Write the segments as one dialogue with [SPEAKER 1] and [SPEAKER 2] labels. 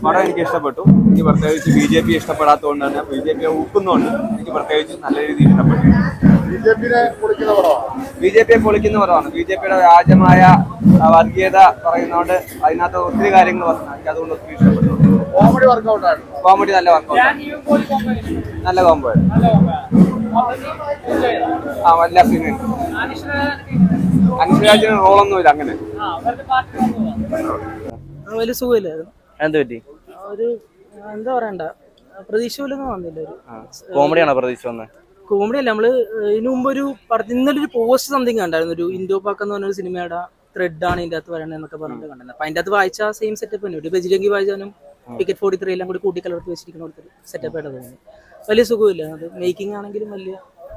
[SPEAKER 1] പടം എനിക്ക് ഇഷ്ടപ്പെട്ടു. എനിക്ക് പ്രത്യേകിച്ച് BJP ഇഷ്ടപ്പെടാത്തതുകൊണ്ട് തന്നെ BJP ഊക്കുന്നുണ്ട് എനിക്ക് പ്രത്യേകിച്ച് നല്ല രീതിയിൽ ഇഷ്ടപ്പെട്ടു. BJP പൊളിക്കുന്ന പടമാണ്. BJPയുടെ വ്യാജമായ വർഗീയത പറയുന്നതുകൊണ്ട് അതിനകത്ത് ഒത്തിരി കാര്യങ്ങൾ പറഞ്ഞു. എനിക്ക് അതുകൊണ്ട് ഒത്തിരി ഇഷ്ടപ്പെട്ടു. കോമഡി നല്ല വർക്കൗട്ട്, നല്ല കോംബോ എല്ലാ സീനും. അനുഷ്രാജിന് റോളൊന്നുമില്ല അങ്ങനെ.
[SPEAKER 2] വലിയ സുഖമില്ലായിരുന്നു.
[SPEAKER 3] എന്ത് പറ്റി?
[SPEAKER 2] ഒരു എന്താ പറയണ്ട, പ്രതീക്ഷ പോലൊന്നും വന്നില്ല. ഒരു
[SPEAKER 3] കോമഡിയാണോ പ്രതീക്ഷ വന്നത്?
[SPEAKER 2] കോമഡി അല്ല. നമ്മള് ഇതിനു മുമ്പ് ഒരു പടത്തിൽ ഇന്നലെ ഒരു പോസ്റ്റ് സംതിങ് കണ്ടായിരുന്നു. ഒരു ഇൻഡോ പാക്ക് എന്ന് പറഞ്ഞൊരു സിനിമയുടെ ത്രെഡ് ആണ് ഇതിന്റെ അകത്ത് വരണത് എന്നൊക്കെ പറഞ്ഞിട്ട് കണ്ടിരുന്നത്. അപ്പൊ അതിന്റെ അകത്ത് വായിച്ച സെയിം സെറ്റപ്പ് തന്നെ. ഒരു ബജിരംഗി വായിച്ചാലും ടിക്കറ്റ് 43 എല്ലാം കൂടി കൂട്ടിക്കലർത്തി വെച്ചിരിക്കുന്ന ഒരു സെറ്റപ്പ് ആയിട്ട് തോന്നി. വലിയ സുഖമില്ല. അത് മേക്കിംഗ് ആണെങ്കിലും വലിയ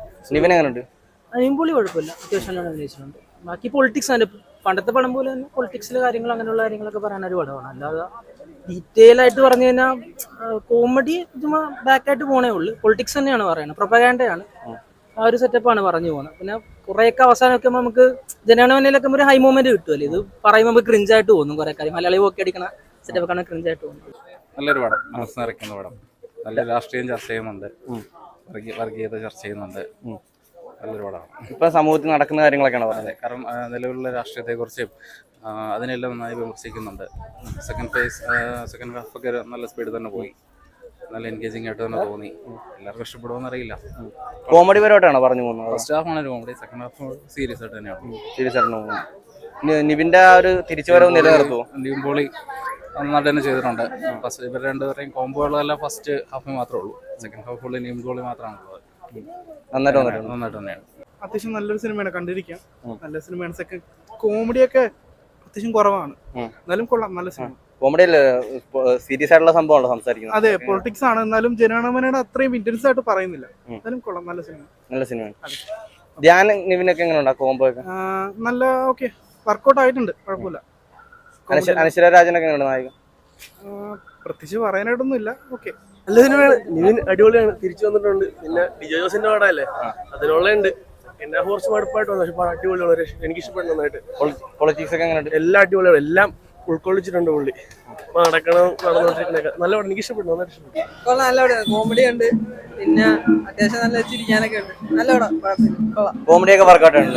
[SPEAKER 2] അനിമ്പൊളി കുഴപ്പമില്ല. അത്യാവശ്യം നല്ല അഭിനയിച്ചിട്ടുണ്ട്. ബാക്കി പൊളിറ്റിക്സ് ആണ്. പണ്ടത്തെ പടം പോലെ തന്നെ പൊളിറ്റിക്സിലെ കാര്യങ്ങൾ അങ്ങനെയുള്ള കാര്യങ്ങളൊക്കെ പറയാനൊരു പടമാണ്. അല്ലാതെ ഡീറ്റെയിൽ ആയിട്ട് പറഞ്ഞു കഴിഞ്ഞാൽ കോമഡി ചുമ്മാ ബാക്കായിട്ട് പോണേ ഉള്ളൂ. പൊളിറ്റിക്സ് തന്നെയാണ് പറയുന്നത്, പ്രൊപ്പഗാൻഡയാണ്. ആ ഒരു സെറ്റപ്പാണ് പറഞ്ഞു പോകുന്നത്. പിന്നെ കുറേയൊക്കെ അവസാനമൊക്കെ നമുക്ക് ജനഗണമനയിലൊക്കെ ഒരു ഹൈ മൂവ്മെന്റ് കിട്ടുമല്ലോ. ഇത് പറയുമ്പോൾ നമുക്ക് ക്രിഞ്ചായിട്ട് തോന്നും. കുറെ കാര്യം മലയാളി ഓക്കെ അടിക്കണ സെറ്റപ്പൊക്കെ ക്രിഞ്ചായിട്ട് തോന്നും.
[SPEAKER 4] നല്ലൊരു പടം, മനസ്സ് നിറയ്ക്കുന്ന പടം. നല്ല രാഷ്ട്രീയം ചർച്ച ചെയ്യുന്നുണ്ട്, വർഗീയത ചർച്ച ചെയ്യുന്നുണ്ട്. നല്ലൊരു പടമാണ്.
[SPEAKER 3] ഇപ്പൊ സമൂഹത്തിൽ നടക്കുന്ന കാര്യങ്ങളൊക്കെയാണ് പറയുന്നത്.
[SPEAKER 4] കാരണം നിലവിലുള്ള രാഷ്ട്രീയത്തെക്കുറിച്ചും അതിനെല്ലാം നന്നായി വിമർശിക്കുന്നുണ്ട്. സെക്കൻഡ് ഹാഫൊക്കെ നല്ല സ്പീഡ് തന്നെ പോയി. നല്ല എൻഗേജിങ് ആയിട്ട് തന്നെ തോന്നി. എല്ലാവർക്കും ഇഷ്ടപ്പെടുമെന്ന് അറിയില്ല.
[SPEAKER 3] കോമഡി പരമായിട്ടാണോ പറഞ്ഞു പോകുന്നത്?
[SPEAKER 4] ഫസ്റ്റ് ഹാഫ് ആണ് ഒരു കോമഡി, സെക്കൻഡ് ഹാഫ് സീരിയസ് ആയിട്ട് തന്നെയാണ്.
[SPEAKER 3] സീരിയസ് ആയിട്ട് പോകുന്നത്. നിവിന്റെ ആ ഒരു തിരിച്ചുവരവ് നിലനിർത്തുമോ?
[SPEAKER 4] നിവിൻ പോളി നന്നായിട്ട് തന്നെ ചെയ്തിട്ടുണ്ട്. ഫസ്റ്റ് ഇവർ രണ്ടുപേരെയും കോംബോകളെല്ലാം ഫസ്റ്റ് ഹാഫിൽ മാത്രമേ ഉള്ളൂ. Second half fully Nivin Pauly മാത്രമാണുള്ളത്. നന്നായിട്ട് തന്നെയാണ്.
[SPEAKER 5] അത്യാവശ്യം നല്ലൊരു സിനിമയാണ്, കണ്ടിരിക്കാം. നല്ല സിനിമയാണ്. സെക്കൻഡ് കോമഡിയൊക്കെ അത്യാവശ്യം കുറവാണ്, എന്നാലും കൊള്ളാം. നല്ല സിനിമ.
[SPEAKER 3] കോമഡി സീരിയസ് ആയിട്ടുള്ള സംഭവമാണോ സംസാരിക്കുന്നത്?
[SPEAKER 5] അതെ, പൊളിറ്റിക്സ് ആണ്. എന്നാലും ജനഗണമനയുടെ അത്രയും ഇന്റൻസ് ആയിട്ട് പറയുന്നില്ല. എന്നാലും കൊള്ളാം. നല്ല സിനിമ.
[SPEAKER 3] നല്ല സിനിമയാണ്. ധ്യാൻ നിവിനൊക്കെ എങ്ങനെയുണ്ടാ കോംബോ ഒക്കെ?
[SPEAKER 5] നല്ല ഓക്കെ, വർക്കൗട്ട് ആയിട്ടുണ്ട്, കുഴപ്പമില്ല.
[SPEAKER 3] അനശ്വര രാജനൊക്കെ എങ്ങനെയുണ്ട് നായിക?
[SPEAKER 5] പ്രത്യേകിച്ച് പറയാനായിട്ടൊന്നും ഇല്ല. ഓക്കെ,
[SPEAKER 6] നല്ല സിനിമയാണ്. നിവിൻ അടിപൊളിയാണ്, തിരിച്ചു വന്നിട്ടുണ്ട്. പിന്നെ ഡിജോ ജോസിന്റെ പടമല്ലേ, അതിനുള്ളുണ്ട്. എന്നെ കുറച്ച് മടുപ്പായിട്ട് വന്നു, പക്ഷെ അടിപൊളിയാണ്. എനിക്ക് ഇഷ്ടപ്പെട്ടു നന്നായിട്ട്.
[SPEAKER 3] പൊളിറ്റിക്സ് ഒക്കെ എങ്ങനെയുണ്ട്?
[SPEAKER 6] എല്ലാം അടിപൊളിയാണ്, എല്ലാം ഉൾക്കൊള്ളിച്ചിട്ടുണ്ട് പുള്ളി. നടന്നുകൊണ്ടിരിക്കുന്നൊക്കെ നല്ല പടം, എനിക്ക് ഇഷ്ടപ്പെട്ടു, നന്നായിട്ട് ഇഷ്ടപ്പെട്ടു.
[SPEAKER 2] നല്ല പടമാണ്. കോമഡി ഉണ്ട്, പിന്നെ അത്യാവശ്യം നല്ല ചിരിക്കാനൊക്കെ ഉണ്ട്. നല്ല പടം.
[SPEAKER 3] കോമഡിയൊക്കെ വർക്കൗട്ട് ആണ്.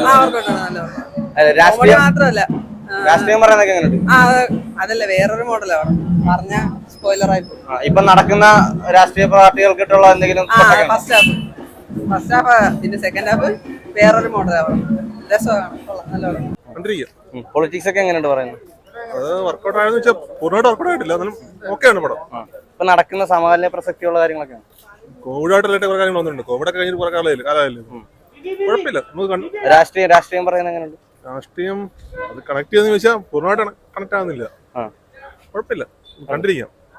[SPEAKER 2] കോമഡി മാത്രമല്ല,
[SPEAKER 3] രാഷ്ട്രീയം പറയുന്നതൊക്കെ എങ്ങനെയുണ്ട്?
[SPEAKER 2] അതല്ല, വേറൊരു മോഡലാണ് പറഞ്ഞ സ്പോയിലർ ആയി.
[SPEAKER 3] ഇപ്പൊ നടക്കുന്ന രാഷ്ട്രീയ പാർട്ടികൾക്കിട്ടുള്ള എന്തെങ്കിലും
[SPEAKER 2] ഫസ്റ്റ് ഹാഫ് പിന്നെ സെക്കൻഡ് ഹാഫ് വേറൊരു മോഡലാണ്. രസമാണ്, നല്ല പടം.
[SPEAKER 3] പൊളിറ്റിക്സ് ഒക്കെ എങ്ങനെയുണ്ട് പറയുന്നത്?
[SPEAKER 7] അത് വർക്കൗട്ട് ആയെന്ന് വെച്ചാൽ പൂർണ്ണമായിട്ട് വർക്കൗട്ട് ആയിട്ടില്ല, എന്നാലും ഓക്കെയാണ് പടം.
[SPEAKER 3] ഇപ്പൊ നടക്കുന്ന സമകാലീന പ്രസക്തിയുള്ള കാര്യങ്ങളൊക്കെയാണ്.
[SPEAKER 7] കോവിഡ് ആയിട്ടുള്ള കുറെ കാര്യങ്ങൾ വന്നിട്ടുണ്ട്. കോവിഡ് ഒക്കെ കഴിഞ്ഞിട്ട് കുറെ കാലമായില്ലേ, കുഴപ്പമില്ല. നമുക്ക്
[SPEAKER 3] രാഷ്ട്രീയം പറയുന്നത് എങ്ങനെയുണ്ട്?
[SPEAKER 7] രാഷ്ട്രീയം അത് കണക്ട് ചെയ്യുന്ന ചോദിച്ചാൽ പൂർണ്ണമായിട്ട് കണക്ട് ആവുന്നില്ല. കുഴപ്പമില്ല, കണ്ടിരിക്കാം.